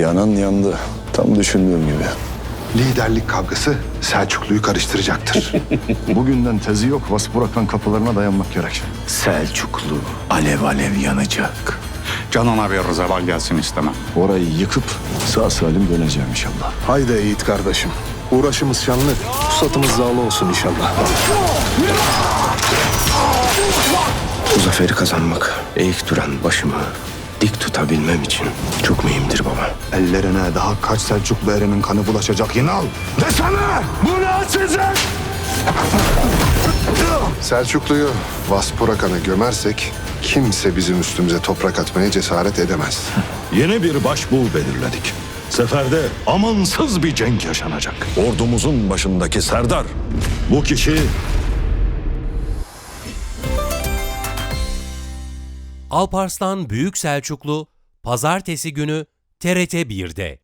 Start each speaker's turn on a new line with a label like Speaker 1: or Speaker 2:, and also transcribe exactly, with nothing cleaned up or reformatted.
Speaker 1: Yanan yandı. Tam düşündüğüm gibi.
Speaker 2: Liderlik kavgası Selçuklu'yu karıştıracaktır.
Speaker 1: Bugünden tezi yok. Vaspurakan kapılarına dayanmak gerek.
Speaker 3: Selçuklu alev alev yanacak.
Speaker 4: Canına bir zeval gelsin istemem.
Speaker 1: Orayı yıkıp sağ salim döneceğim inşallah.
Speaker 2: Haydi Yiğit kardeşim. Uğraşımız şanlı, pusatımız zağlı olsun inşallah.
Speaker 3: Bu zaferi kazanmak, eğik duran başımı dik tutabilmem için çok mühimdir baba.
Speaker 2: Ellerine daha kaç Selçuklu erinin kanı bulaşacak Yinal. Desene! Bu ne açacak? Selçuklu'yu Vaspurakan'a gömersek kimse bizim üstümüze toprak atmaya cesaret edemez.
Speaker 5: Yeni bir başbuğ belirledik. Seferde amansız bir cenk yaşanacak. Ordumuzun başındaki Serdar. Bu kişi
Speaker 6: Alparslan Büyük Selçuklu Pazartesi günü T R T bir'de.